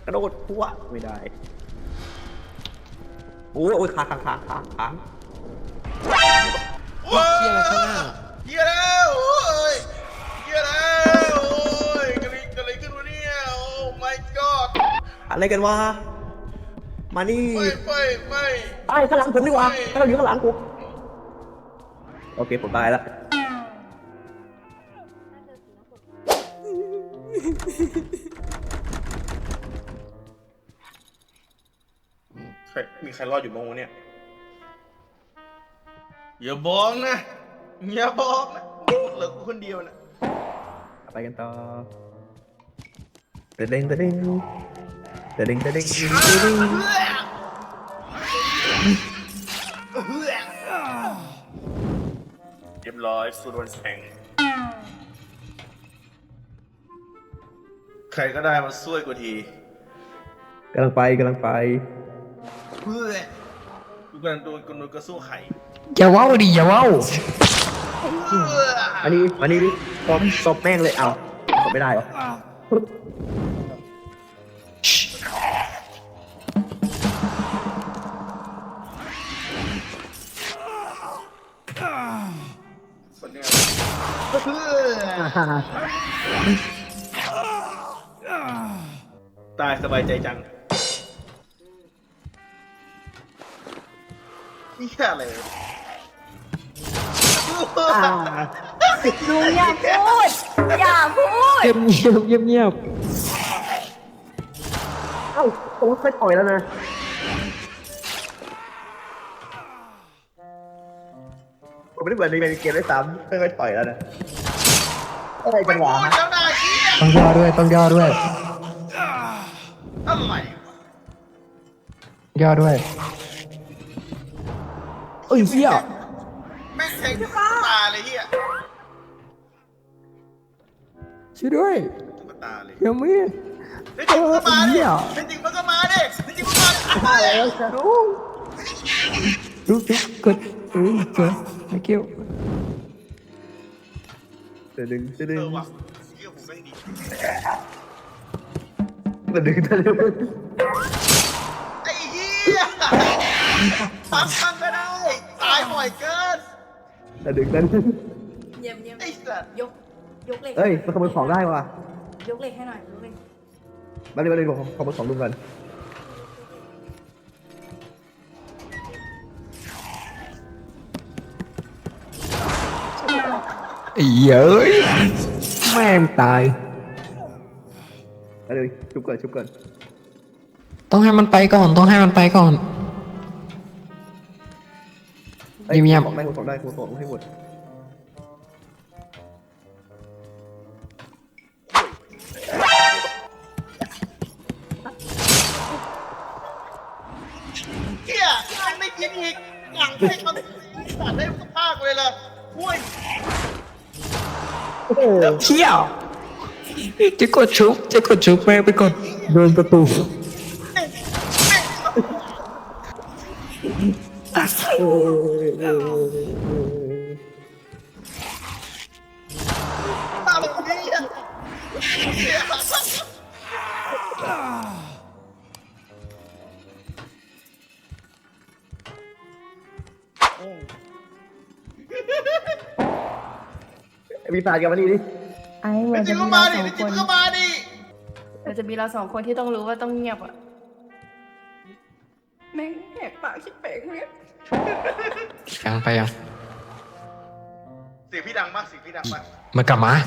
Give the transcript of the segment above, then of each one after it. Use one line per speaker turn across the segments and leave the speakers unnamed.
ระโดดพัวไม่ได้โอ้ยค้าง
โอ้ยเฮียแล้วโอ้ยเฮียแล้วโอ้ยกระไรขึ้นวะเนี่ยโอ้ my god
อะไรกันวะมานี่
ไม่
ตายข้างหลังผมดีกว่าถ้าเราอยู่ข้างหลังผมโอเคผมตายแล้ว
มีใครรอดอยู่บ้างวะเนี่ยอย่าบอกนะเหลือกูคนเดียวนะ
ไปกันต่อเด้งเ
รียบร้อยสุดวันแข่งใครก็ได้มาช่วยกูที
กำลังไป
กูกำลังโดนกระสู้ไข่
อย่าว้าวดิอย่าว้าว
อันนี้ดิตบแม่งเลยเอาตบไม่ได้หรอ
ตายสบายใจจังนี่แค่อะไร
ลุงอย่าพูด
เงียบ
เอ้าผมเคยต่อยแล้วนะผมไม่ได้เหมือนในเกมได้ซ้ำเคยต่อยแล้วนะอะไรกันวะ
ต้องย่อด้วย
อะไรวะ
ย่อด้วยเอ้ยเหี้ย
แม่งแทงตาเลยเฮีย
ช่วยด้วย
ตาเลย
ยังไม่
จริงมันก็มาดิจริงมันก็มาดิ
รู้กดไม่เกี่ยว
ดึง
ว่ะเฮียผมแม่งดีไอ้เฮียฟังก็ได้ตายบ่อยเกิน
ดึง
เยี่ยม
ไอ้สัตว์
ยกเหล็ก
เฮ้ยมันขโมยของได้ว่ะ
ยกเหล็กให้หน่อยยกเหล็ก
มาเลยบอกขโมยของลุงกัน
เย้ยแม่งตาย
มาเลยชุบก่อน
ต้องให้มันไปก่อนเงียบ
ของได้ให้หมด
เฮียไม่กินอีกหลังให้เขาตัดได้ภาคเลยล่ะอุ้ย
เที่ยวจะกดชุบแม่งไปกดโดนประตู
มีปาดกันมาดิ
มัน
จะมีเราสองคน
มันจะมีเราสองคนที่ต้องรู้ว่าต้องเงียบอ่ะแม่งแหกปากคิดแปลกเนี่ย
ยังไปยัง
เสียงพี่ดังมาก
มันกลับมา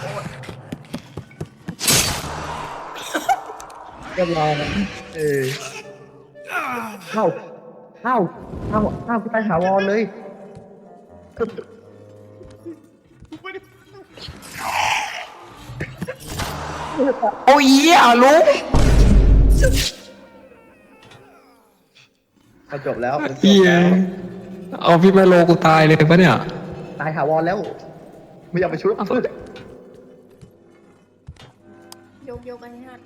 เรียบร้อยเข้าไปหาวอนเลย
โอ้ยลุง
จบแล้ว
เอาพี่ไมโลกูตายเลยปะเนี่ย
ตายหาวอนแล้วไม่อยากไปชุบ
ยกอันนี้ฮะ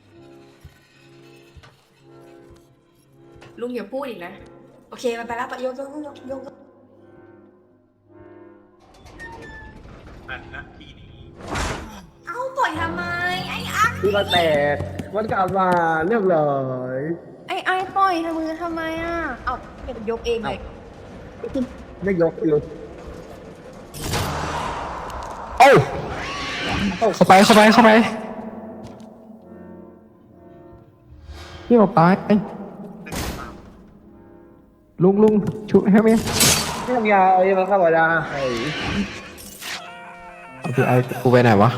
ลุงอย่าพูดอีกนะโอเคมันไปแล้วยก
อันนะทีนี้
เอ้าปล่อยทำไมไอ้อัก
คือเราแตกมันกลับมาเรียบร้อย
ไอ้ปล่อยมือทำไมอ่ะเอาเก็บยกเองเลย
ไม่ยกอยู่
เอ้าเข้าไปพี่ออกไปลุงชุบให้ไหม
ไม่ทำยาเอายังมาเข้ามาได้
เอาพี่ไอ้กูไปไหนวะ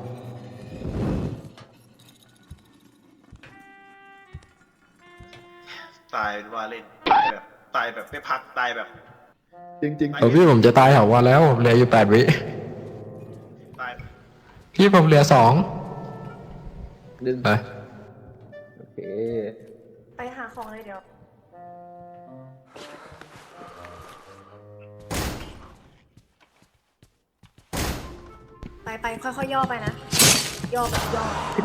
ตายว่าเล่นตายแบบไม่พักตายแบบ
จริง
เออพี่ผมจะตายแถววันแล้วผมเหลืออยู่8 วิ
ตาย
พี่ผมเหลือ2
ๆดึง
ไป
โอเค
ไปหาของเลยเดี๋ยว ไปค่อยๆย่อไปนะ ย่อแบบย่อ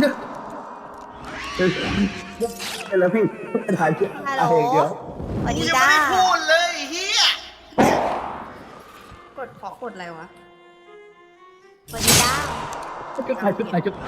แล้วพี่ถ่ายเพื่อ
ฮัลโหล
เดี๋ยว
สวัส
กู
ดี
ยัง
จ้า
ไม่ได้พูดเลยไอ้เฮีย
กดอะไรวะสวัสดีจ้า
จุดถ่ายจุด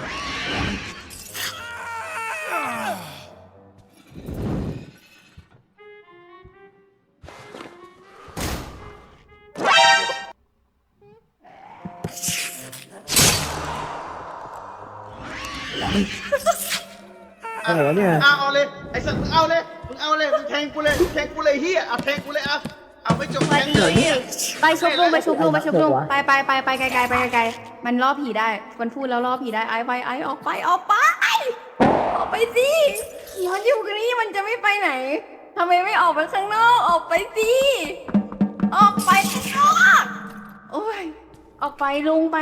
อะไรวะเนี่ย
เอาเลยไอ้สัตว์มึงเอาเลยมึงแทงกูเลยเฮียเอาแทงกูเลยเอาไม่จบแทงเลยเฮีย
ไปชุบลุงไปไกลๆมันล่อผีได้มันพูดแล้วล่อผีได้ไอ้ออกไปสิมันอยู่กันนี่มันจะไม่ไปไหนทำไมไม่ออกไปข้างนอกออกไปสิออกไปข้างนอกโอ้ยออกไปลุงไป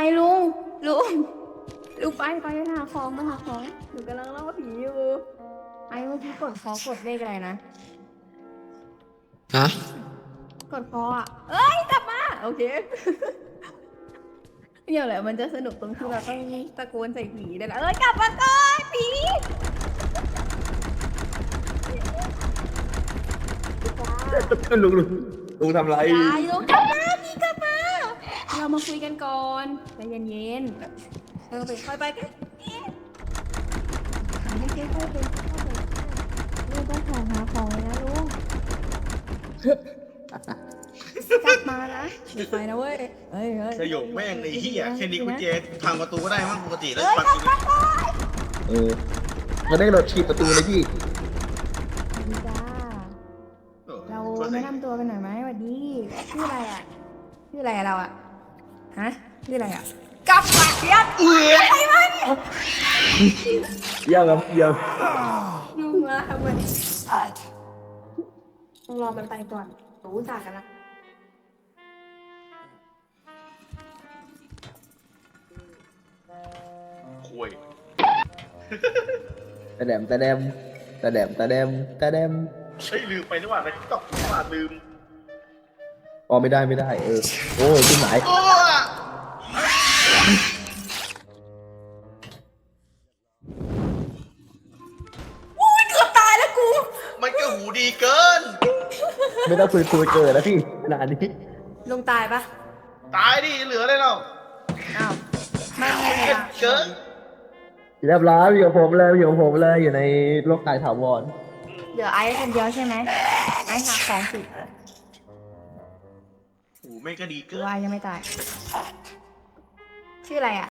หาของหนูกำลังล่อผีอยู่ไอ้เมื่อกี้กดเลขอะไรนะ
ฮะ
กดพออ่ะเอ้ยกลับมาโอเคเนี่ยแหละมันจะสนุกตรงที่เราต้องตะโกนใส่ผีได้แหละกลับมาก่อนผี
ลุงทำไร
อย่าลงกลับมาพี่กลับมาเรามาคุยกันก่อนใจเย็นๆค่อยไปกันค่อยไปลุงต้องหาของเลยนะลุงกลับมานะเดี๋ยวไปนะเว้ยเฮ้ย
สยบแม่งเลยเฮียแค่นี้กุญแจพังประตูก็ได้มั้งปกติแล้ว
ก
ปั
ลั
ก
บมาก่อน
มันได้โดดฉีดประตูเลยพี่
สวัสดีจ้าเราแนะนำตัวกันหน่อยไหมสวัสดีชื่ออะไรอ่ะเราอ่ะฮะชื่ออะไรอ่ะกลับมาเรียบอะไรวะเนี่ย
เยี่ยมครับเยี่ยม
ยุ่งละทำไมต้องรอมันไปก่อนรู้จักกันละ
คุย
ตะแดมเ
ฮ้ยลืมไปนี่หว่าในติ๊กต็อกลืม
อ๋อไม่ได้โอ้ยขึ้นไหน
โอ้
อุ้ยเกือบตายแล้วกู
มันก็หูดีเกิน
ไม่ต้องคุยเกิดนะพี่ขนาดนี้
ลงตายปะ
ตายดิเหลืออะไรเรา
อ้าวไม่
เกิน
เรียบร้อยอยู่กับผมเลยอยู่ในโลกกายถาวร
เดี๋ยวไอ้คนเดียวใช่ไหมไอ้หาของสิ
หูไม่งก็ดีเกิน
วายยังไม่ตาย ชื่ออะไรอ่ะ